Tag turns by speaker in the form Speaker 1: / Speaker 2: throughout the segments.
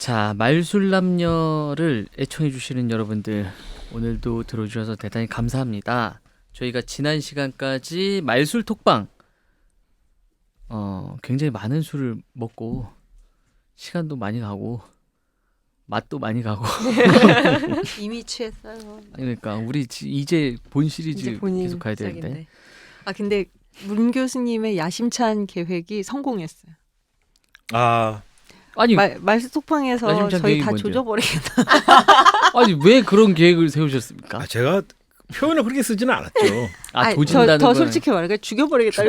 Speaker 1: 자, 말술남녀를 애청해 주시는 여러분들 오늘도 들어주셔서 대단히 감사합니다. 저희가 지난 시간까지 말술 톡방 굉장히 많은 술을 먹고 시간도 많이 가고 맛도 많이 가고
Speaker 2: 이미 취했어요.
Speaker 1: 그러니까 우리 이제 본 시리즈
Speaker 2: 이제 본인
Speaker 1: 계속 가야 되는데
Speaker 2: 시작인데. 아 근데 문 교수님의 야심찬 계획이 성공했어요.
Speaker 3: 아,
Speaker 1: 아니
Speaker 2: 말수 톡방에서
Speaker 1: 야심찬
Speaker 2: 저희
Speaker 1: 계획이
Speaker 2: 다
Speaker 1: 뭔데요?
Speaker 2: 조져버리겠다.
Speaker 1: 아니 왜 그런 계획을 세우셨습니까?
Speaker 3: 제가 표현을 그렇게 쓰지는 않았죠.
Speaker 1: 아 조진다는
Speaker 2: 더
Speaker 1: 건
Speaker 2: 솔직히 말해 죽여버리겠다.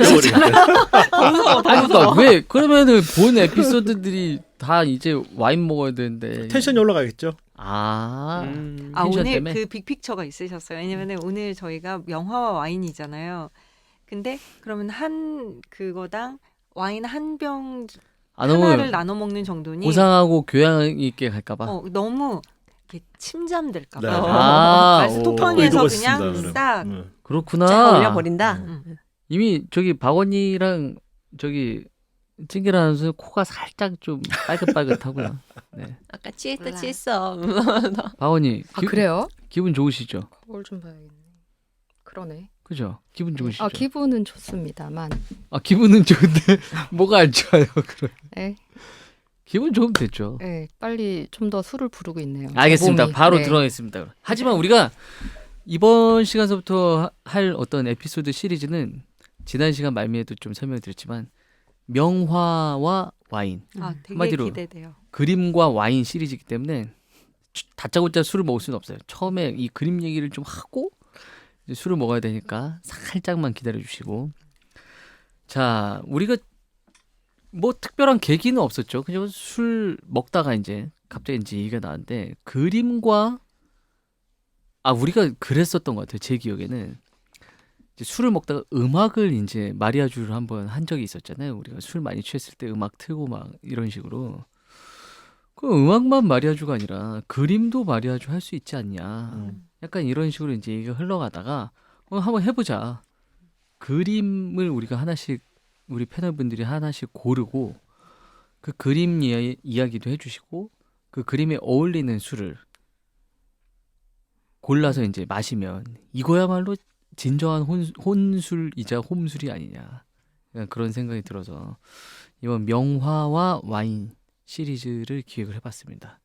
Speaker 1: 그러니까 왜 그러면은 본 에피소드들이 다 이제 와인 먹어야 되는데
Speaker 3: 텐션이 올라가겠죠.
Speaker 2: 아
Speaker 1: 텐션
Speaker 2: 오늘
Speaker 1: 때문에?
Speaker 2: 그 빅픽처가 있으셨어요. 왜냐면 오늘 저희가 영화와 와인이잖아요. 근데 그러면 한 그거당 와인 한 병 하나를
Speaker 1: 너무
Speaker 2: 나눠 먹는 정도니
Speaker 1: 고상하고 교양 있게 갈까봐.
Speaker 2: 너무 이렇게 침잠될까봐.
Speaker 3: 네.
Speaker 2: 말수
Speaker 1: 오.
Speaker 2: 톡방에서
Speaker 3: 의도가
Speaker 2: 그냥
Speaker 3: 있습니다,
Speaker 2: 싹
Speaker 3: 그러면.
Speaker 1: 그렇구나.
Speaker 4: 쫙 올려버린다.
Speaker 1: 이미 저기 박원이랑 저기 찡기라 선수 코가 살짝 좀 빨긋빨긋하고요. 네.
Speaker 4: 아까 취했다
Speaker 2: 몰라.
Speaker 4: 취했어.
Speaker 1: 박원이
Speaker 5: 아 그래요?
Speaker 1: 기분 좋으시죠?
Speaker 5: 거울 좀 봐야겠네. 그러네.
Speaker 1: 그죠? 기분 좋으시죠?
Speaker 5: 아 기분은 좋습니다만.
Speaker 1: 기분은 좋은데 뭐가 안 좋아요? 그럼
Speaker 5: 네,
Speaker 1: 기분 좋으면 됐죠.
Speaker 5: 네 빨리 좀 더 술을 부르고 있네요.
Speaker 1: 알겠습니다.
Speaker 5: 몸이.
Speaker 1: 바로
Speaker 5: 네.
Speaker 1: 들어가겠습니다. 하지만 우리가 이번 시간서부터 할 어떤 에피소드 시리즈는 지난 시간 말미에도 좀 설명드렸지만 명화와 와인,
Speaker 2: 되게
Speaker 1: 한마디로
Speaker 2: 기대돼요.
Speaker 1: 그림과 와인 시리즈이기 때문에 다짜고짜 술을 먹을 수는 없어요. 처음에 이 그림 얘기를 좀 하고 이제 술을 먹어야 되니까 살짝만 기다려 주시고. 자, 우리가 뭐 특별한 계기는 없었죠. 그냥 술 먹다가 이제 갑자기 이제 얘기가 나왔는데 그림과 우리가 그랬었던 것 같아요. 제 기억에는 이제 술을 먹다가 음악을 이제 마리아주를 한번 한 적이 있었잖아요. 우리가 술 많이 취했을 때 음악 틀고 막 이런 식으로. 그 음악만 마리아주가 아니라 그림도 마리아주 할 수 있지 않냐. 약간 이런 식으로 이제 얘기가 흘러가다가 한번 해보자. 그림을 우리가 하나씩 우리 패널분들이 하나씩 고르고 그 그림 이야기도 해주시고 그 그림에 어울리는 술을 골라서 이제 마시면 이거야말로 진정한 혼술이자 홈술이 아니냐. 그런 생각이 들어서 이번 명화와 와인 시리즈를 기획을 해봤습니다.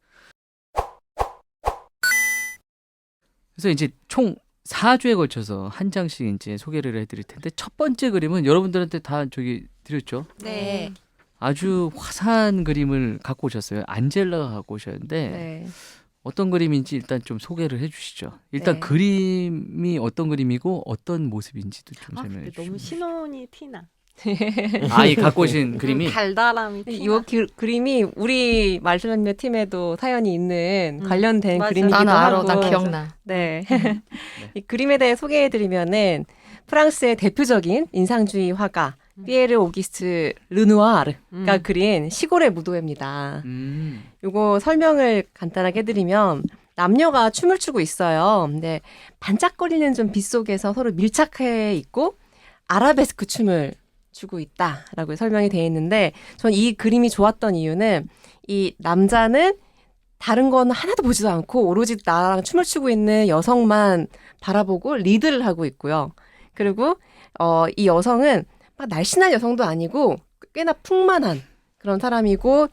Speaker 1: 그래서 이제 총 4주에 걸쳐서 한 장씩 이제 소개를 해드릴 텐데 첫 번째 그림은 여러분들한테 다 저기 드렸죠.
Speaker 4: 네.
Speaker 1: 아주 화사한 그림을 갖고 오셨어요. 안젤라가 갖고 오셨는데
Speaker 5: 네.
Speaker 1: 어떤 그림인지 일단 좀 소개를 해주시죠. 일단
Speaker 5: 네.
Speaker 1: 그림이 어떤 그림이고 어떤 모습인지도 좀 설명해
Speaker 2: 근데 너무
Speaker 1: 주시죠.
Speaker 2: 신혼이 티나.
Speaker 1: 이 갖고 오신 그림이
Speaker 2: 달달함이
Speaker 4: 이
Speaker 2: 티나.
Speaker 4: 그림이 우리 말술남녀 팀에도 사연이 있는 관련된
Speaker 2: 맞아.
Speaker 4: 그림이기도
Speaker 5: 나는 알아.
Speaker 4: 하고.
Speaker 5: 나 기억나.
Speaker 4: 네. 이 그림에 대해 소개해드리면은 프랑스의 대표적인 인상주의 화가 피에르 오기스트 르누아르가 그린 시골의 무도회입니다. 요거 설명을 간단하게 해드리면 남녀가 춤을 추고 있어요. 근데 반짝거리는 좀 빛 속에서 서로 밀착해 있고 아라베스크 춤을 추고 있다라고 설명이 되어 있는데 전 이 그림이 좋았던 이유는 이 남자는 다른 건 하나도 보지도 않고 오로지 나랑 춤을 추고 있는 여성만 바라보고 리드를 하고 있고요. 그리고 이 여성은 막 날씬한 여성도 아니고 꽤나 풍만한 그런 사람이고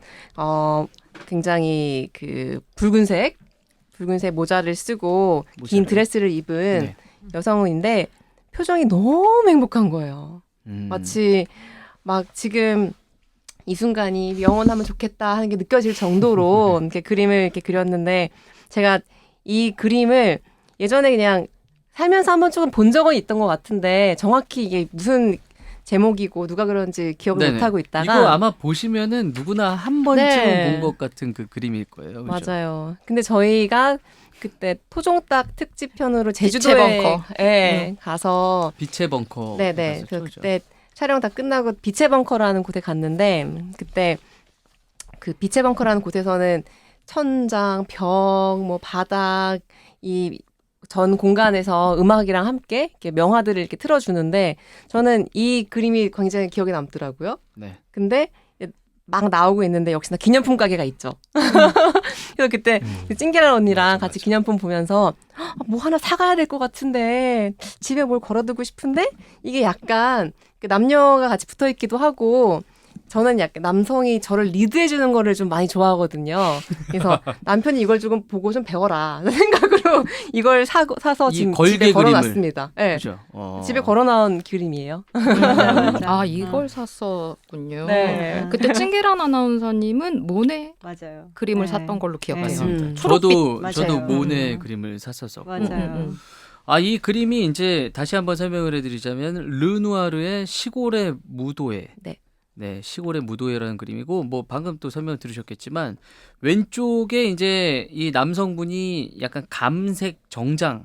Speaker 4: 굉장히 그 붉은색 모자를 쓰고 긴 드레스를 입은
Speaker 1: 네.
Speaker 4: 여성인데 표정이 너무 행복한 거예요. 마치 막 지금 이 순간이 영원하면 좋겠다 하는 게 느껴질 정도로 이렇게 그림을 이렇게 그렸는데 제가 이 그림을 예전에 그냥 살면서 한 번쯤은 본 적은 있던 것 같은데 정확히 이게 무슨 제목이고 누가 그런지 기억을
Speaker 1: 네네.
Speaker 4: 못하고 있다가
Speaker 1: 이거 아마 보시면은 누구나 한 번쯤은
Speaker 4: 네.
Speaker 1: 본 것 같은 그 그림일 거예요. 그죠?
Speaker 4: 맞아요. 근데 저희가 그때 토종닭 특집편으로 제주도에
Speaker 5: 벙커.
Speaker 4: 가서
Speaker 1: 빛의 벙커.
Speaker 4: 네네.
Speaker 1: 갔었죠, 그죠?
Speaker 4: 그때 촬영 다 끝나고 빛의 벙커라는 곳에 갔는데 그때 그 빛의 벙커라는 곳에서는 천장, 벽, 뭐 바닥 이 전 공간에서 음악이랑 함께 이렇게 명화들을 이렇게 틀어주는데 저는 이 그림이 굉장히 기억에 남더라고요.
Speaker 1: 네.
Speaker 4: 근데 막 나오고 있는데 역시나 기념품 가게가 있죠. 그래서 그때 그 찡기란 언니랑
Speaker 3: 맞아,
Speaker 4: 같이
Speaker 3: 맞아.
Speaker 4: 기념품 보면서 뭐 하나 사가야 될 것 같은데 집에 뭘 걸어두고 싶은데 이게 약간 그 남녀가 같이 붙어 있기도 하고 저는 약간 남성이 저를 리드해주는 거를 좀 많이 좋아하거든요. 그래서 남편이 이걸 조금 보고 좀 배워라 생각으로 이걸 사서
Speaker 1: 이
Speaker 4: 지금
Speaker 1: 걸개
Speaker 4: 집에 걸어놨습니다. 네.
Speaker 1: 그죠?
Speaker 4: 집에 걸어놓은 그림이에요.
Speaker 5: 아, 이걸 샀었군요.
Speaker 4: 네.
Speaker 5: 그때 찡기란 아나운서님은 모네
Speaker 2: 맞아요.
Speaker 5: 그림을
Speaker 2: 네.
Speaker 5: 샀던 걸로 기억해요.
Speaker 2: 네.
Speaker 1: 저도
Speaker 2: 맞아요.
Speaker 1: 모네
Speaker 5: 음.
Speaker 1: 그림을 샀었었고.
Speaker 2: 맞아요.
Speaker 1: 아, 이 그림이 이제 다시 한번 설명을 해드리자면 르누아르의 시골의 무도회.
Speaker 4: 네.
Speaker 1: 네, 시골의 무도회라는 그림이고 뭐 방금 또 설명 들으셨겠지만 왼쪽에 이제 이 남성분이 약간 감색 정장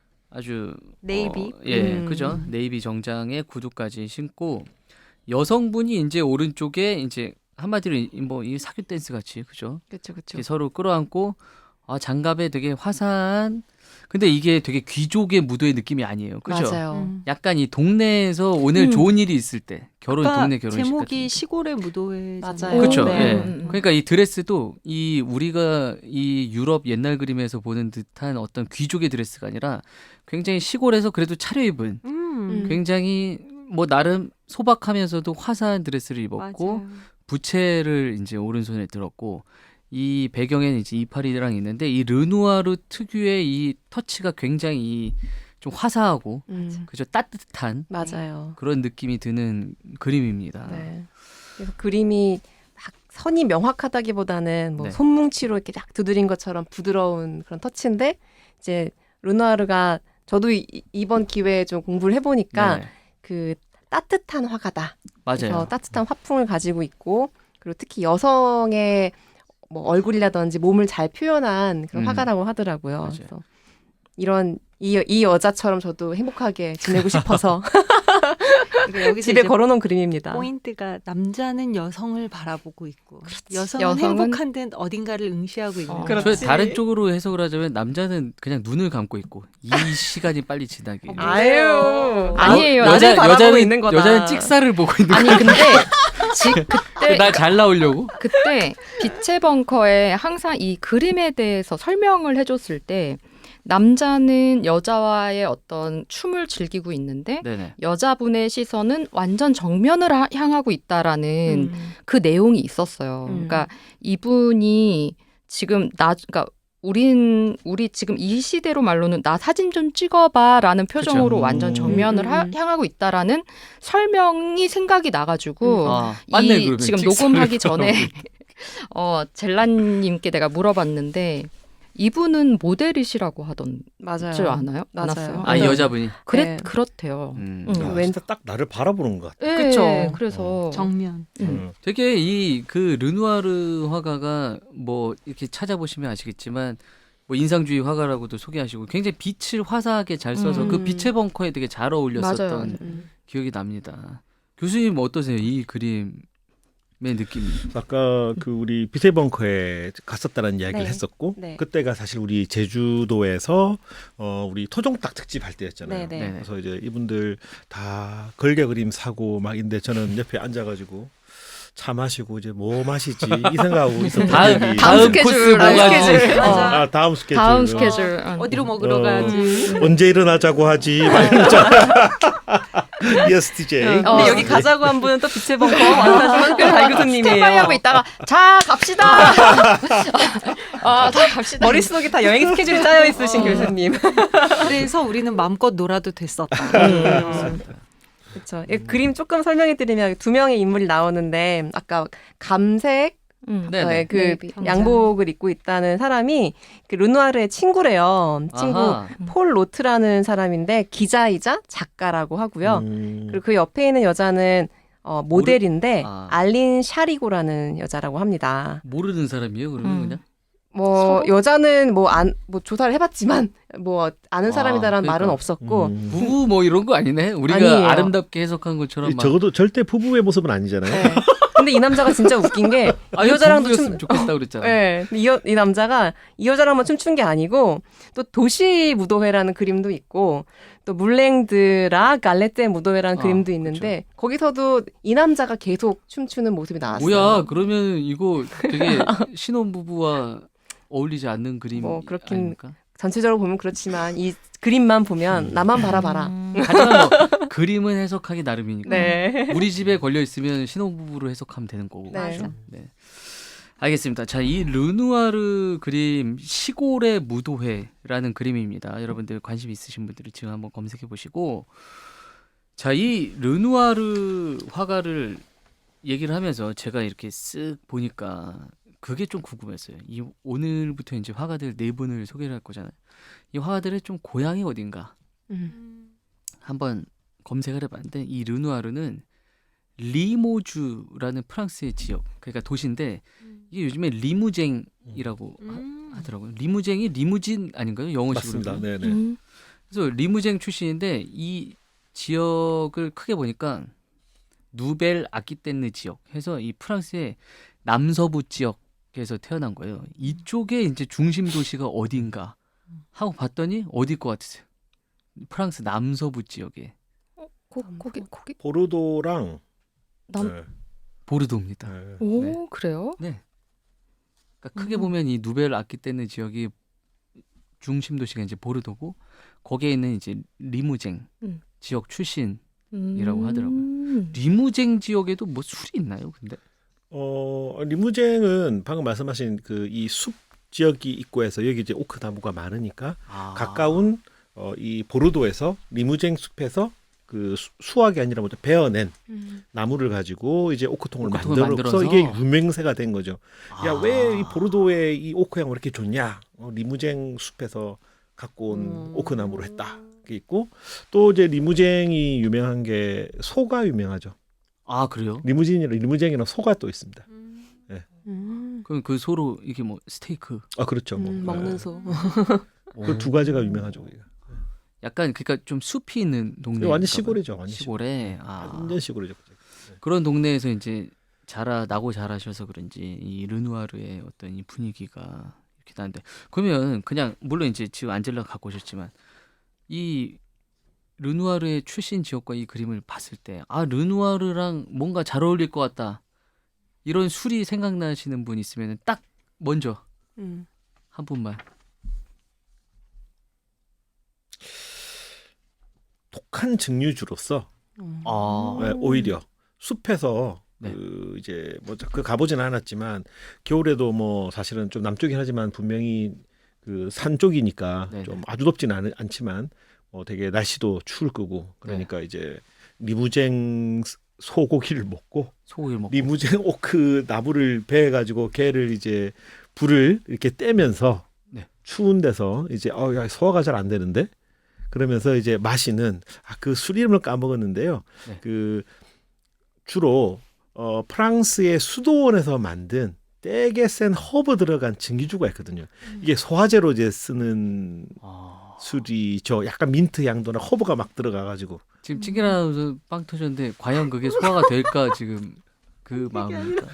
Speaker 1: 아주
Speaker 2: 네이비.
Speaker 1: 예, 그죠? 네이비 정장에 구두까지 신고 여성분이 이제 오른쪽에 이제 한마디로 뭐 이 사교 댄스 같이 그죠?
Speaker 4: 그렇죠, 그렇죠.
Speaker 1: 이렇게 서로 끌어안고 장갑에 되게 화사한 근데 이게 되게 귀족의 무도의 느낌이 아니에요. 그죠?
Speaker 4: 맞아요.
Speaker 1: 약간 이 동네에서 오늘 좋은 일이 있을 때 결혼
Speaker 2: 아까
Speaker 1: 동네 결혼식
Speaker 2: 제목이
Speaker 1: 같은
Speaker 2: 시골의 무도회.
Speaker 4: 맞아요.
Speaker 1: 그렇죠.
Speaker 4: 네.
Speaker 1: 예. 그러니까 이 드레스도 이 우리가 이 유럽 옛날 그림에서 보는 듯한 어떤 귀족의 드레스가 아니라 굉장히 시골에서 그래도 차려입은 굉장히 뭐 나름 소박하면서도 화사한 드레스를 입었고
Speaker 2: 맞아요.
Speaker 1: 부채를 이제 오른손에 들었고 이 배경에는 이제 이파리랑 있는데 이 르누아르 특유의 이 터치가 굉장히 좀 화사하고 그죠 따뜻한
Speaker 4: 맞아요.
Speaker 1: 그런 느낌이 드는 그림입니다.
Speaker 4: 네. 그래서 그림이 막 선이 명확하다기보다는 뭐
Speaker 1: 네.
Speaker 4: 손뭉치로 이렇게 딱 두드린 것처럼 부드러운 그런 터치인데 이제 르누아르가 저도 이번 기회에 좀 공부를 해보니까
Speaker 1: 네.
Speaker 4: 그 따뜻한 화가다. 그래서
Speaker 1: 맞아요.
Speaker 4: 따뜻한 화풍을 가지고 있고 그리고 특히 여성의 뭐 얼굴이라든지 몸을 잘 표현한 그런 화가라고 하더라고요.
Speaker 1: 맞아요.
Speaker 4: 그래서 이런 이 여자처럼 저도 행복하게 지내고 싶어서
Speaker 2: 그러니까 여기서
Speaker 4: 집에
Speaker 2: 이제
Speaker 4: 걸어놓은 그림입니다.
Speaker 2: 포인트가 남자는 여성을 바라보고 있고 여성은
Speaker 5: 여성은
Speaker 2: 행복한 듯 어딘가를 응시하고 있는 거예요.
Speaker 4: 그렇지.
Speaker 1: 저 다른 쪽으로 해석을 하자면 남자는 그냥 눈을 감고 있고 이 시간이 빨리 지나기.
Speaker 4: 아유,
Speaker 5: 아니에요.
Speaker 4: 나를 바라보고 있는 거다.
Speaker 1: 여자는 찍사를 보고 있는
Speaker 5: 아니
Speaker 1: 거야.
Speaker 5: 근데 그때
Speaker 1: 날 잘 나오려고.
Speaker 5: 그때 빛의 벙커에 항상 이 그림에 대해서 설명을 해줬을 때 남자는 여자와의 어떤 춤을 즐기고 있는데
Speaker 1: 네네.
Speaker 5: 여자분의 시선은 완전 정면을 향하고 있다라는 그 내용이 있었어요. 그러니까 이분이 지금 그러니까 우리 지금 이 시대로 말로는 나 사진 좀 찍어봐라는 표정으로
Speaker 1: 그쵸.
Speaker 5: 완전 정면을 향하고 있다라는 설명이 생각이 나가지고
Speaker 1: 맞네,
Speaker 5: 이
Speaker 1: 그러면.
Speaker 5: 지금
Speaker 1: 찍사를
Speaker 5: 녹음하기 전에
Speaker 1: 하고.
Speaker 5: 젤라님께 내가 물어봤는데 이분은 모델이시라고 하던 줄
Speaker 4: 맞아요.
Speaker 5: 아나요?
Speaker 4: 맞아요.
Speaker 5: 않았어요?
Speaker 1: 이 여자분이.
Speaker 4: 네.
Speaker 5: 그렇대요.
Speaker 3: 야,
Speaker 4: 왠-
Speaker 3: 진짜 딱 나를 바라보는 것 같아.
Speaker 5: 네,
Speaker 4: 그쵸.
Speaker 5: 그래서
Speaker 2: 정면.
Speaker 1: 되게 이 그 르누아르 화가가 뭐 이렇게 찾아보시면 아시겠지만 뭐 인상주의 화가라고도 소개하시고 굉장히 빛을 화사하게 잘 써서 그 빛의 벙커에 되게 잘 어울렸었던
Speaker 5: 맞아요.
Speaker 1: 기억이 납니다. 교수님 어떠세요? 이 그림의 느낌이.
Speaker 3: 아까 그 우리 빛의 벙커에 갔었다는 이야기를
Speaker 4: 네.
Speaker 3: 했었고
Speaker 4: 네.
Speaker 3: 그때가 사실 우리 제주도에서 우리 토종닭 특집 할 때였잖아요.
Speaker 4: 네,
Speaker 1: 네.
Speaker 3: 그래서 이제 이분들 다 걸개 그림 사고 막 있는데 저는 옆에 앉아가지고 차 마시고 이제 뭐 마시지 이 생각하고 있었던
Speaker 1: 다음
Speaker 5: 다음
Speaker 1: 코스
Speaker 5: 스케줄,
Speaker 1: 뭐가
Speaker 5: 다음
Speaker 1: 있지?
Speaker 5: 스케줄.
Speaker 2: 맞아.
Speaker 3: 다음 스케줄.
Speaker 5: 다음 스케줄.
Speaker 2: 어디로 먹으러 가야지.
Speaker 3: 언제 일어나자고 하지? 막 이러잖아. ESTJ.
Speaker 4: 근데 여기 가자고 한 분은 또 빛의 벙커 완사시만 달 교수님이에요.
Speaker 5: 스탠바이 하고 있다가 자 갑시다. 다 갑시다.
Speaker 4: 머릿속에 다 여행 스케줄이 짜여 있으신 교수님.
Speaker 2: 그래서 우리는 마음껏 놀아도 됐었다.
Speaker 4: 그렇죠. 그림 조금 설명해 드리면 두 명의 인물이 나오는데 아까 감색
Speaker 1: 네네.
Speaker 4: 그
Speaker 5: 네이비.
Speaker 4: 양복을 입고 있다는 사람이 그 르누아르의 친구래요. 친구
Speaker 1: 아하.
Speaker 4: 폴 로트라는 사람인데 기자이자 작가라고 하고요. 그리고 그 옆에 있는 여자는 모델인데 알린 샤리고라는 여자라고 합니다.
Speaker 1: 모르는 사람이에요, 그러면 그냥?
Speaker 4: 뭐
Speaker 5: 서로?
Speaker 4: 여자는 뭐 조사를 해봤지만 뭐 아는 사람이다라는
Speaker 1: 그러니까.
Speaker 4: 말은 없었고
Speaker 1: 부부 뭐 이런 거 아니네. 우리가
Speaker 4: 아니에요.
Speaker 1: 아름답게 해석한 것처럼 막.
Speaker 3: 적어도 절대 부부의 모습은 아니잖아요.
Speaker 4: 네. 근데 이 남자가 진짜 웃긴 게 이 여자랑도
Speaker 1: 부부였으면 좋겠다 그랬잖아.
Speaker 4: 네, 이 남자가 이 여자랑만 춤춘 게 아니고 또 도시 무도회라는 그림도 있고 또 물랭드라 갈레떼 무도회라는 그림도 있는데 거기서도 이 남자가 계속 춤추는 모습이 나왔어요.
Speaker 1: 뭐야? 그러면 이거 되게 신혼부부와 어울리지 않는 그림
Speaker 4: 뭐 그렇긴
Speaker 1: 아닙니까?
Speaker 4: 전체적으로 보면 그렇지만 이 그림만 보면 나만 바라봐라.
Speaker 1: 하지만 뭐 그림은 해석하기 나름이니까.
Speaker 4: 네.
Speaker 1: 우리 집에 걸려 있으면 신혼부부로 해석하면 되는 거고.
Speaker 4: 네.
Speaker 2: 맞아.
Speaker 1: 네. 알겠습니다. 자, 이 르누아르 그림 시골의 무도회라는 그림입니다. 여러분들 관심 있으신 분들은 지금 한번 검색해 보시고, 자, 이 르누아르 화가를 얘기를 하면서 제가 이렇게 쓱 보니까 그게 좀 궁금했어요. 이 오늘부터 이제 화가들 네 분을 소개를 할 거잖아요. 이 화가들의 좀 고향이 어딘가 한번 검색을 해봤는데 이 르누아르는 리모주라는 프랑스의 지역, 그러니까 도시인데 이게 요즘에 리무쟁이라고 하더라고요. 리무쟁이 리무진 아닌가요? 영어식으로.
Speaker 3: 맞습니다. 네네.
Speaker 1: 그래서 리무쟁 출신인데 이 지역을 크게 보니까 누벨 아키테느 지역 해서 이 프랑스의 남서부 지역에서 태어난 거예요. 이쪽에 이제 중심 도시가 어딘가 하고 봤더니 어디일 것 같으세요? 프랑스 남서부 지역에
Speaker 5: 거기
Speaker 3: 보르도랑 네.
Speaker 1: 보르도입니다.
Speaker 3: 네.
Speaker 5: 오
Speaker 1: 네.
Speaker 5: 그래요?
Speaker 1: 네. 그러니까 크게 보면 이 누벨 아키테느 지역이 중심 도시가 이제 보르도고 거기에 있는 이제 리무쟁 지역 출신이라고 하더라고요. 리무쟁 지역에도 뭐 술이 있나요? 근데
Speaker 3: 리무쟁은 방금 말씀하신 그 이 숲 지역이 있고 해서 여기 이제 오크 나무가 많으니까 가까운 이 보르도에서 리무쟁 숲에서 그 수확이 아니라 뭐 베어낸 나무를 가지고 이제 오크통을 만들어서 이게 유명세가 된 거죠. 야, 왜 이 보르도에 이 오크 향이 이렇게 좋냐? 리무쟁 숲에서 갖고 온 오크 나무로 했다. 그게 있고 또 이제 리무쟁이 유명한 게 소가 유명하죠.
Speaker 1: 아 그래요?
Speaker 3: 리무쟁이랑 소가 또 있습니다.
Speaker 1: 그럼 그 소로 이게 뭐 스테이크?
Speaker 3: 아 그렇죠. 뭐
Speaker 4: 먹는 소.
Speaker 3: 그 두 가지가 유명하죠. 우리가.
Speaker 1: 약간 그러니까 좀 숲이 있는 동네.
Speaker 3: 완전 시골이죠. 완전
Speaker 1: 시골에.
Speaker 3: 완전 시골이죠.
Speaker 1: 그런 동네에서 이제 나고 자라셔서 그런지 이 르누아르의 어떤 이 분위기가 이렇게 나는데 그러면 그냥 물론 이제 지금 안젤라가 갖고 오셨지만 이 르누아르의 출신 지역과 이 그림을 봤을 때 르누아르랑 뭔가 잘 어울릴 것 같다. 이런 술이 생각나시는 분 있으면 딱 먼저 한 분만.
Speaker 3: 독한 증류주로서 네, 오히려 숲에서
Speaker 1: 네.
Speaker 3: 그 이제 뭐 그 가보지는 않았지만 겨울에도 뭐 사실은 좀 남쪽이긴 하지만 분명히 그 산 쪽이니까
Speaker 1: 네네.
Speaker 3: 좀 아주 덥지는 않지만 되게 날씨도 추울 거고 그러니까 이제 리무쟁 소고기를 먹고 리무쟁 오크 나무를 베어 가지고 걔를 이제 불을 이렇게 떼면서
Speaker 1: 네.
Speaker 3: 추운 데서 이제 야, 소화가 잘 안 되는데 그러면서 이제 마시는 그 술 이름을 까먹었는데요.
Speaker 1: 네.
Speaker 3: 그 주로 프랑스의 수도원에서 만든 되게 센 허브 들어간 증기주가 있거든요. 이게 소화제로 이제 쓰는 술이죠. 약간 민트 향도나 허브가 막 들어가가지고.
Speaker 1: 지금 찌개나서 빵 터졌는데 과연 그게 소화가 될까 지금 그 마음입니까?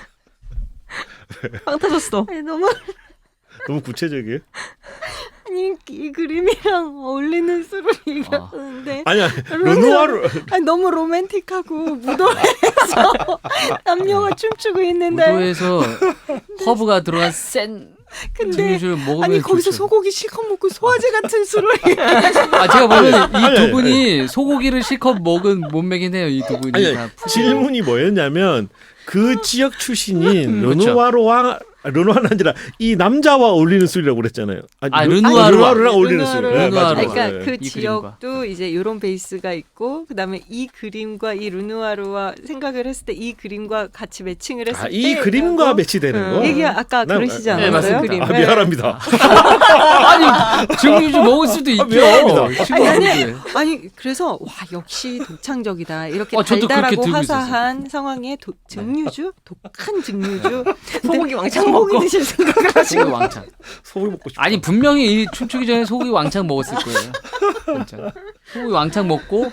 Speaker 4: 빵 터졌어.
Speaker 2: 아니, 너무
Speaker 3: 구체적이에요?
Speaker 2: 아니 이 그림이랑 어울리는 술을 얘기하는데
Speaker 3: 아니야 르누아르
Speaker 2: 너무 로맨틱하고 무도회에서 남녀가 춤추고 있는데
Speaker 1: 무도에서 허브가 들어간 센
Speaker 2: 근데
Speaker 1: 증류주를 먹으면
Speaker 2: 아니 거기서
Speaker 1: 좋죠.
Speaker 2: 소고기 실컷 먹고 소화제 같은 술을
Speaker 1: 제가 보면 이 두 분이 소고기를 실컷 먹은 몸매긴 해요. 이 두 분이
Speaker 3: 아니,
Speaker 1: 다
Speaker 3: 질문이 뭐였냐면 그 지역 출신인
Speaker 1: 그렇죠.
Speaker 3: 르누아르는 아니라 이 남자와 어울리는 술이라고 그랬잖아요.
Speaker 1: 르누아르랑
Speaker 3: 어울리는 술.
Speaker 1: 르누아르.
Speaker 2: 그러니까
Speaker 3: 네.
Speaker 2: 그
Speaker 1: 이
Speaker 2: 지역도 이제 이런 베이스가 있고 그다음에 이 그림과 이 르누아르와 생각을 했을 때 이 그림과 같이 매칭을 했을 때
Speaker 3: 이 그림과 매치되는 거.
Speaker 2: 얘기 아까 그러시지
Speaker 1: 네,
Speaker 2: 않았어요?
Speaker 1: 맞습니다.
Speaker 2: 그림.
Speaker 3: 미안합니다.
Speaker 1: 아니 증류주 먹을 수도 있죠.
Speaker 3: 미안합니다.
Speaker 2: 아니 그래서 와 역시 독창적이다 이렇게
Speaker 1: 저도 그렇게
Speaker 2: 달달하고
Speaker 1: 들고
Speaker 2: 화사한 상황에 증류주 독한 증류주
Speaker 4: 소고기 왕창
Speaker 2: 소고기
Speaker 4: 먹고.
Speaker 2: 드실 생각을 하시고
Speaker 1: 소고기 왕창.
Speaker 3: 소고기 먹고 싶다.
Speaker 1: 아니 분명히 이 춤추기 전에 소고기 왕창 먹었을 거예요. 진짜. 소고기 왕창 먹고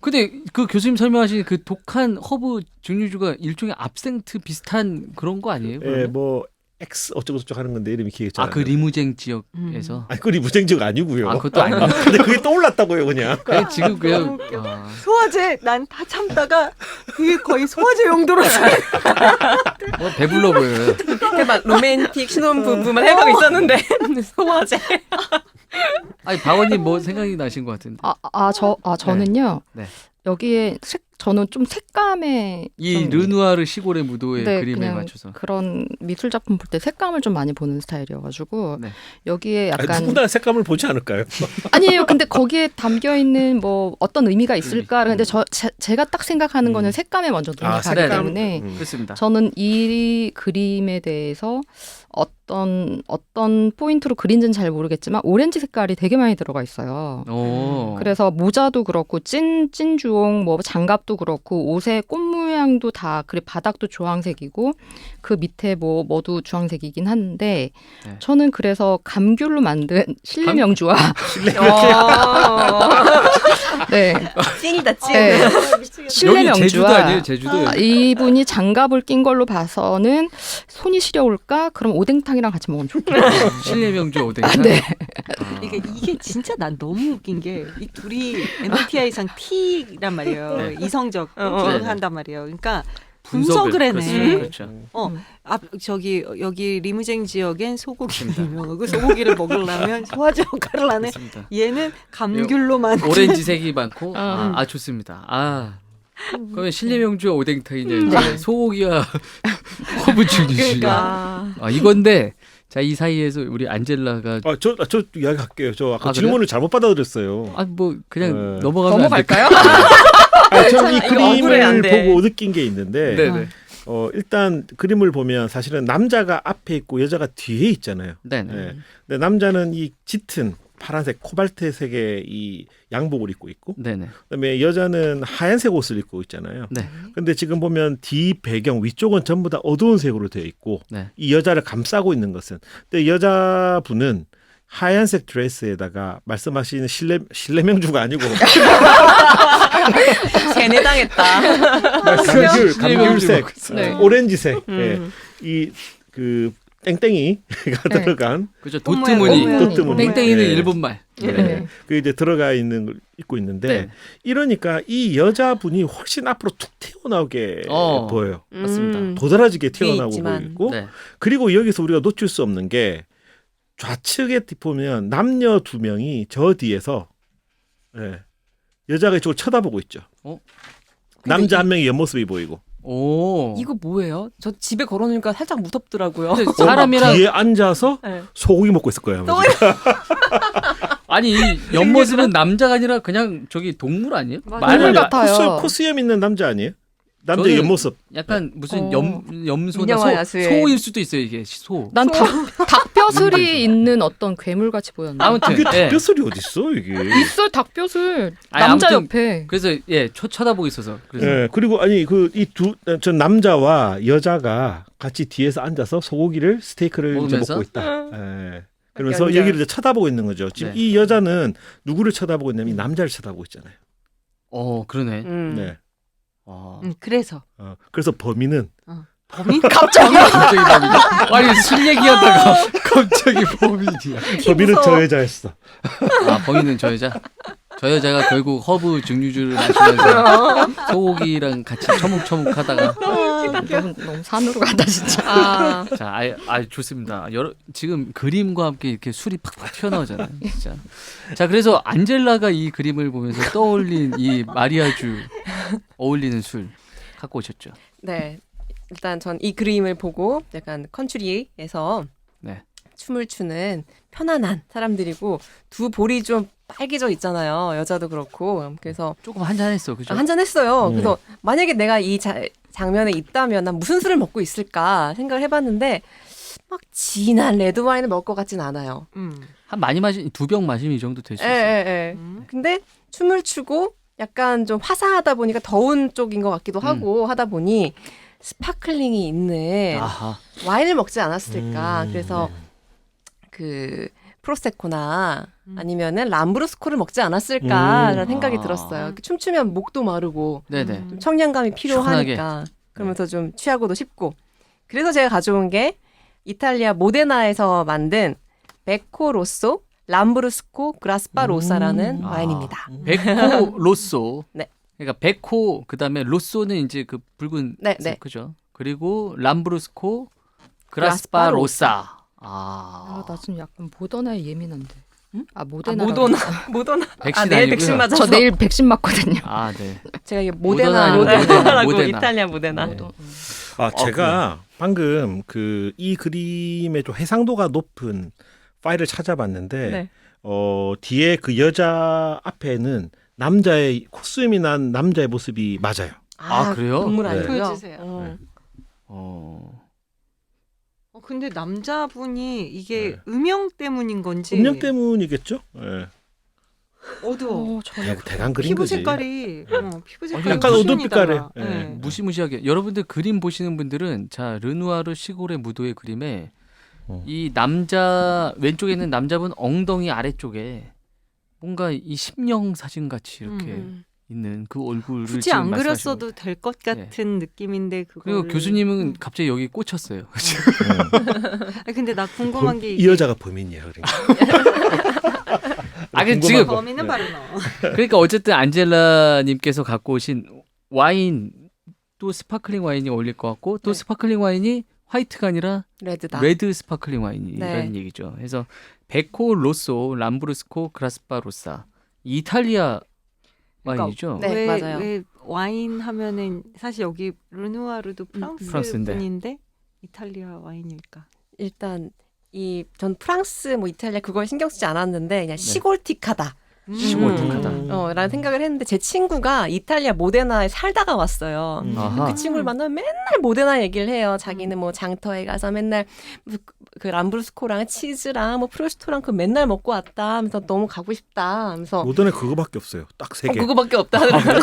Speaker 1: 근데 그 교수님 설명하신 그 독한 허브 증류주가 일종의 압생트 비슷한 그런 거 아니에요?
Speaker 3: 예,
Speaker 1: 그러면?
Speaker 3: 뭐 X 어쩌고저쩌고 하는 건데 이름이 기억이 잘 안
Speaker 1: 그
Speaker 3: 나요.
Speaker 1: 리무쟁 지역에서.
Speaker 3: 아니, 그 리무쟁지가 아니고요.
Speaker 1: 그것도 아니에요.
Speaker 3: 근데 그게 떠올랐다고요, 그냥.
Speaker 1: 그냥 지금 그냥
Speaker 2: 너무 웃겨. 소화제 난 다 참다가 그게 거의 소화제 용도로
Speaker 1: 배불러 보여요.
Speaker 4: 이렇게 막 로맨틱 신혼부부만 해가고 있었는데 소화제.
Speaker 1: 아니 박원님 뭐 생각이 나신 것 같은데.
Speaker 5: 저는요.
Speaker 1: 네.
Speaker 5: 여기에 저는 좀 색감에
Speaker 1: 이
Speaker 5: 좀
Speaker 1: 르누아르 시골의 무도의
Speaker 5: 네,
Speaker 1: 그림에
Speaker 5: 그냥
Speaker 1: 맞춰서.
Speaker 5: 그런 미술 작품 볼 때 색감을 좀 많이 보는 스타일이어가지고
Speaker 1: 네.
Speaker 5: 여기에
Speaker 3: 아니,
Speaker 5: 약간
Speaker 3: 누구나 색감을 보지 않을까요?
Speaker 5: 아니에요. 근데 거기에 담겨 있는 뭐 어떤 의미가 있을까? 근데 제가 딱 생각하는 거는 색감에 먼저 눈이 가기
Speaker 1: 색감.
Speaker 5: 때문에
Speaker 1: 그렇습니다.
Speaker 5: 저는 이 그림에 대해서 어떤 포인트로 그린지는 잘 모르겠지만 오렌지 색깔이 되게 많이 들어가 있어요.
Speaker 1: 오.
Speaker 5: 그래서 모자도 그렇고 찐 주홍, 뭐 장갑도 그렇고 옷의 꽃 모양도 다 그리고 바닥도 주황색이고 그 밑에 뭐도 주황색이긴 한데
Speaker 1: 네.
Speaker 5: 저는 그래서 감귤로 만든 실내 명주와 네.
Speaker 4: 찐이다 찐.
Speaker 5: 네. 실내
Speaker 1: 여기 제주도
Speaker 5: 명주와
Speaker 1: 아니에요? 제주도.
Speaker 5: 이분이 장갑을 낀 걸로 봐서는 손이 시려울까? 그럼 오뎅탕이랑 같이 먹으면 좋겠다.
Speaker 1: 실내 명주 오뎅.
Speaker 5: 네.
Speaker 2: 이게 진짜 난 너무 웃긴 게 이 둘이 MBTI상 T란 말이에요.
Speaker 1: 네.
Speaker 2: 이성적
Speaker 4: 어.
Speaker 2: 한단 말이에요. 그러니까 분석을 해내.
Speaker 1: 그렇죠.
Speaker 2: 여기 리무쟁 지역엔 소고기 유명하고 소고기를 먹으려면 소화제 역할을 하네.
Speaker 1: 그렇습니다.
Speaker 2: 얘는 감귤로 만든
Speaker 1: 오렌지색이 많고 좋습니다. 그러면 실내 명주와 오뎅탕이냐 이제 소고기와 허브 증류주.
Speaker 2: 그러니까.
Speaker 1: 이건데 자 이 사이에서 우리 안젤라가
Speaker 3: 저 이야기할게요. 저 아까
Speaker 1: 그래요?
Speaker 3: 질문을 잘못 받아들였어요.
Speaker 1: 뭐 그냥
Speaker 3: 네.
Speaker 1: 넘어가면
Speaker 5: 넘어갈까요?
Speaker 3: 저는 이
Speaker 4: 억울해, 안
Speaker 3: 그림을
Speaker 4: 돼.
Speaker 3: 보고 느낀 게 있는데
Speaker 1: 네네.
Speaker 3: 일단 그림을 보면 사실은 남자가 앞에 있고 여자가 뒤에 있잖아요.
Speaker 1: 네네.
Speaker 3: 네. 근데 남자는 이 짙은 파란색 코발트색의 이 양복을 입고 있고
Speaker 1: 네네.
Speaker 3: 그다음에 여자는 하얀색 옷을 입고 있잖아요.
Speaker 1: 네.
Speaker 3: 근데 지금 보면 뒤 배경 위쪽은 전부 다 어두운 색으로 되어 있고
Speaker 1: 네.
Speaker 3: 이 여자를 감싸고 있는 것은 근데 여자분은 하얀색 드레스에다가 말씀하시는 실내 명주가 아니고
Speaker 4: 세뇌당했다.
Speaker 3: 감귤색,
Speaker 5: 네.
Speaker 3: 오렌지색, 이 그 땡땡이가
Speaker 5: 네.
Speaker 3: 들어간
Speaker 1: 그렇죠.
Speaker 2: 꽃모양,
Speaker 1: 도트무늬.
Speaker 2: 꽃모양.
Speaker 3: 도트무늬.
Speaker 1: 땡땡이는
Speaker 3: 네.
Speaker 1: 일본말.
Speaker 3: 네. 그 이제 들어가 있는 걸 입고 있는데
Speaker 1: 네.
Speaker 3: 이러니까 이 여자분이 훨씬 앞으로 툭 튀어나오게 보여요.
Speaker 1: 맞습니다.
Speaker 3: 도드라지게
Speaker 4: 뒤에
Speaker 3: 튀어나오고
Speaker 4: 있지만.
Speaker 3: 보이고
Speaker 1: 네.
Speaker 3: 그리고 여기서 우리가 놓칠 수 없는 게 좌측에 보면 남녀 두 명이 저 뒤에서 여자가 이쪽을 쳐다보고 있죠. 남자 한 명이 옆모습이 보이고
Speaker 1: 오.
Speaker 4: 이거 뭐예요? 저 집에 걸어놓으니까 살짝 무섭더라고요.
Speaker 1: 근데 사람이랑
Speaker 3: 뒤에 앉아서
Speaker 4: 네.
Speaker 3: 소고기 먹고 있을 거예요. 아마 지금.
Speaker 1: 아니 이 옆모습은 남자가 아니라 그냥 저기 동물 아니에요?
Speaker 5: 동물 같아요.
Speaker 3: 코수염 있는 남자 아니에요? 남자
Speaker 1: 저는
Speaker 3: 옆모습.
Speaker 1: 약간 무슨 염소나
Speaker 4: 인형아, 야수의.
Speaker 1: 소일 수도 있어요 이게 소.
Speaker 5: 난 닭뼈슬이 있는 어떤 괴물 같이 보였나?
Speaker 1: 아무튼
Speaker 3: 그게
Speaker 1: 예.
Speaker 3: 닭뼈슬이 어딨어 이게.
Speaker 5: 있어 닭뼈슬
Speaker 1: 아니,
Speaker 5: 남자
Speaker 1: 아무튼
Speaker 5: 옆에.
Speaker 1: 그래서 쳐다보고 있어서 그래서
Speaker 3: 예, 그리고 아니 저 남자와 여자가 같이 뒤에서 앉아서 소고기를 스테이크를 이제
Speaker 1: 먹으면서?
Speaker 3: 먹고 있다. 예. 그러면서
Speaker 4: 연결.
Speaker 3: 여기를 이제 쳐다보고 있는 거죠. 지금
Speaker 1: 네.
Speaker 3: 이 여자는 누구를 쳐다보고 있냐면 이 남자를 쳐다보고 있잖아요.
Speaker 1: 그러네.
Speaker 3: 네.
Speaker 2: 그래서
Speaker 3: 그래서 범인은
Speaker 2: 범인
Speaker 1: 갑자기 범인이야. 아니 술 얘기하다가 갑자기 범인이야.
Speaker 3: 범인은 저 여자였어.
Speaker 1: 범인은 저 여자. 저 여자가 결국 허브 증류주를 마시면서 소고기랑 같이 처묵처묵하다가
Speaker 5: 너무 산으로 간다 진짜.
Speaker 1: 자, 좋습니다. 지금 그림과 함께 이렇게 술이 팍팍 튀어나오잖아요. 진짜. 자, 그래서 안젤라가 이 그림을 보면서 떠올린 이 마리아주 어울리는 술 갖고 오셨죠.
Speaker 4: 네. 일단 전 이 그림을 보고 약간 컨트리에서
Speaker 1: 네.
Speaker 4: 춤을 추는 편안한 사람들이고 두 볼이 좀 빨개져 있잖아요. 여자도 그렇고. 그래서
Speaker 1: 조금 한잔했어, 그죠?
Speaker 4: 한잔 했어요. 그래서 만약에 내가 이 장면에 있다면 난 무슨 술을 먹고 있을까 생각을 해봤는데 막 진한 레드 와인을 먹을 것 같진 않아요.
Speaker 1: 한 많이 마신 2병 마시면 이 정도 될 수 있어요.
Speaker 4: 예. 근데 춤을 추고 약간 좀 화사하다 보니까 더운 쪽인 것 같기도 하고 하다 보니 스파클링이 있는
Speaker 1: 아하.
Speaker 4: 와인을 먹지 않았을까. 그래서 그 프로세코나 아니면은 람브루스코를 먹지 않았을까라는 생각이 들었어요. 이렇게 춤추면 목도 마르고
Speaker 1: 네네.
Speaker 4: 좀 청량감이 필요하니까 그러면서 좀 취하고도 쉽고. 그래서 제가 가져온 게 이탈리아 모데나에서 만든 베코 로쏘 람브루스코 그라스파 로사라는 와인입니다.
Speaker 1: 베코 로쏘.
Speaker 4: 네.
Speaker 1: 그러니까 베코 그다음에 로쏘는 이제 그 붉은
Speaker 4: 네,
Speaker 1: 색,
Speaker 4: 네.
Speaker 1: 그죠? 그리고 람브루스코
Speaker 4: 그라스파
Speaker 1: 그라스파 로사. 아.
Speaker 5: 나 지금 약간 모더나에 예민한데.
Speaker 4: 응?
Speaker 5: 모데나.
Speaker 4: 모더나.
Speaker 1: 백신
Speaker 4: 내일
Speaker 1: 아니고요.
Speaker 4: 백신 맞아서.
Speaker 5: 저 내일 백신 맞거든요.
Speaker 1: 아, 네.
Speaker 4: 제가 이게
Speaker 1: 모데나,
Speaker 4: 모데나라고
Speaker 1: 모데나.
Speaker 4: 이탈리아 모데나.
Speaker 1: 네.
Speaker 3: 제가 방금 그 이 그림의 좀 해상도가 높은 파일을 찾아봤는데
Speaker 4: 네.
Speaker 3: 뒤에 그 여자 앞에는 남자의 코스튬이 난 남자의 모습이 맞아요.
Speaker 1: 아, 그래요?
Speaker 4: 동물
Speaker 3: 네.
Speaker 4: 아니고요.
Speaker 2: 보여주세요.
Speaker 3: 네.
Speaker 2: 근데 남자분이 이게
Speaker 3: 네.
Speaker 2: 음영 때문인 건지
Speaker 3: 음력 때문이겠죠? 네.
Speaker 2: 어두워.
Speaker 3: 대강 그린
Speaker 2: 피부
Speaker 3: 거지.
Speaker 2: 색깔이 피부 색깔이
Speaker 3: 약간
Speaker 2: 무슨
Speaker 3: 어두운 빛깔에.
Speaker 2: 달라.
Speaker 3: 네.
Speaker 2: 네.
Speaker 1: 무시무시하게. 여러분들 그림 보시는 분들은 자, 르누아르 시골의 무도의 그림에 이 남자 왼쪽에 있는 남자분 엉덩이 아래쪽에 뭔가 이 심령 사진 같이 이렇게 있는 그 얼굴을
Speaker 2: 굳이
Speaker 1: 지금
Speaker 2: 안
Speaker 1: 말씀하시는
Speaker 2: 그렸어도
Speaker 1: 거예요.
Speaker 2: 될 것 같은 느낌인데 그걸
Speaker 1: 그리고 교수님은 갑자기 여기 꽂혔어요.
Speaker 2: 근데 나 궁금한 게
Speaker 3: 이 여자가 범인이야. 그러니까.
Speaker 1: 아, 근데
Speaker 3: 궁금한
Speaker 1: 지금
Speaker 3: 거.
Speaker 2: 범인은
Speaker 3: 네.
Speaker 2: 바로 너.
Speaker 1: 그러니까 어쨌든 안젤라님께서 갖고 오신 와인 또 스파클링 와인이 어울릴 것 같고 또
Speaker 4: 네.
Speaker 1: 스파클링 와인이 화이트가 아니라
Speaker 4: 레드다.
Speaker 1: 레드 스파클링 와인이라는
Speaker 4: 네.
Speaker 1: 얘기죠. 그래서 베코 로쏘 람브루스코 그라스파 로사 이탈리아 와인이죠.
Speaker 4: 네,
Speaker 2: 왜,
Speaker 4: 맞아요.
Speaker 2: 왜 와인 하면은 사실 여기 르누아르도 프랑스
Speaker 1: 프랑스인데.
Speaker 2: 분인데 이탈리아 와인일까?
Speaker 4: 일단 전 프랑스 뭐 이탈리아 그걸 신경 쓰지 않았는데 그냥 시골틱하다.
Speaker 1: 시골틱하다.
Speaker 4: 라는 생각을 했는데 제 친구가 이탈리아 모데나에 살다가 왔어요.
Speaker 1: 아하.
Speaker 4: 그 친구를 만나면 맨날 모데나 얘기를 해요. 자기는 뭐 장터에 가서 맨날 그 람브루스코랑 치즈랑 뭐 프로스토랑 그 맨날 먹고 왔다 하면서 너무 가고 싶다 하면서
Speaker 3: 모던에 그거밖에 없어요. 딱 세 개.
Speaker 4: 그거밖에 없다.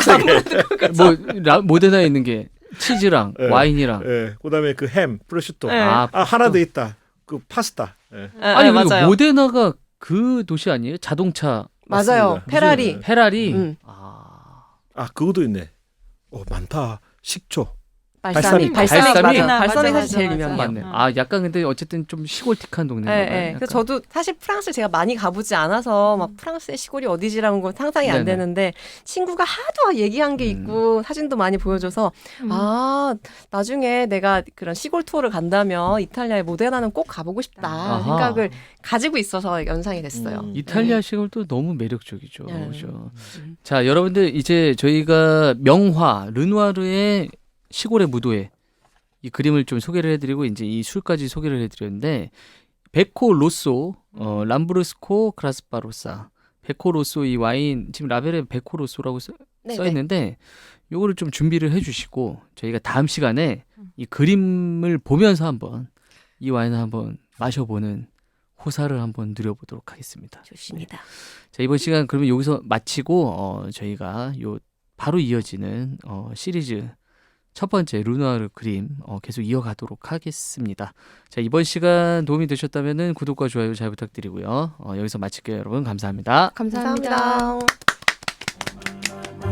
Speaker 1: 모데나에 있는 게 치즈랑
Speaker 3: 네.
Speaker 1: 와인이랑
Speaker 3: 예. 그다음에 그 햄, 프로슈토.
Speaker 4: 네.
Speaker 3: 하나 더 있다. 그 파스타. 예.
Speaker 1: 아니 그리고
Speaker 4: 맞아요.
Speaker 1: 모데나가 그 도시 아니에요? 자동차
Speaker 4: 맞아요.
Speaker 3: 맞습니다.
Speaker 4: 페라리.
Speaker 1: 페라리.
Speaker 4: 음.
Speaker 3: 그것도 있네. 많다. 식초.
Speaker 4: 발사믹.
Speaker 1: 발사믹.
Speaker 4: 맞아. 발사믹 사실 제일
Speaker 2: 맞아.
Speaker 4: 유명해요.
Speaker 1: 맞네. 약간 근데 어쨌든 좀 시골틱한 동네인가
Speaker 4: 네,
Speaker 1: 봐요.
Speaker 4: 네.
Speaker 1: 약간.
Speaker 4: 그래서 저도 사실 프랑스 제가 많이 가보지 않아서 막 프랑스의 시골이 어디지라는 건 상상이 안
Speaker 1: 네네.
Speaker 4: 되는데 친구가 하도 얘기한 게 있고 사진도 많이 보여줘서 나중에 내가 그런 시골 투어를 간다면 이탈리아의 모데나는 꼭 가보고 싶다
Speaker 1: 아하.
Speaker 4: 생각을 가지고 있어서 연상이 됐어요.
Speaker 1: 이탈리아 시골도 너무 매력적이죠.
Speaker 4: 네.
Speaker 1: 그죠? 자, 여러분들 이제 저희가 명화 르누아르의 시골의 무도회 이 그림을 좀 소개를 해드리고 이제 이 술까지 소개를 해드렸는데 베코 로쏘, 람브루스코 그라스파 로사, 베코 로쏘 이 와인 지금 라벨에 베코 로쏘라고 써 있는데 요거를 좀 준비를 해주시고 저희가 다음 시간에 이 그림을 보면서 한번 이 와인을 한번 마셔보는 호사를 한번 누려보도록 하겠습니다.
Speaker 4: 좋습니다.
Speaker 1: 자, 이번 시간 그러면 여기서 마치고 저희가 요 바로 이어지는 시리즈 첫 번째 르누아르 그림 계속 이어가도록 하겠습니다. 자, 이번 시간 도움이 되셨다면 구독과 좋아요 잘 부탁드리고요. 여기서 마칠게요, 여러분. 감사합니다.
Speaker 5: 감사합니다.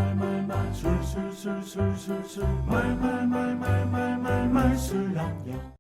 Speaker 4: 감사합니다.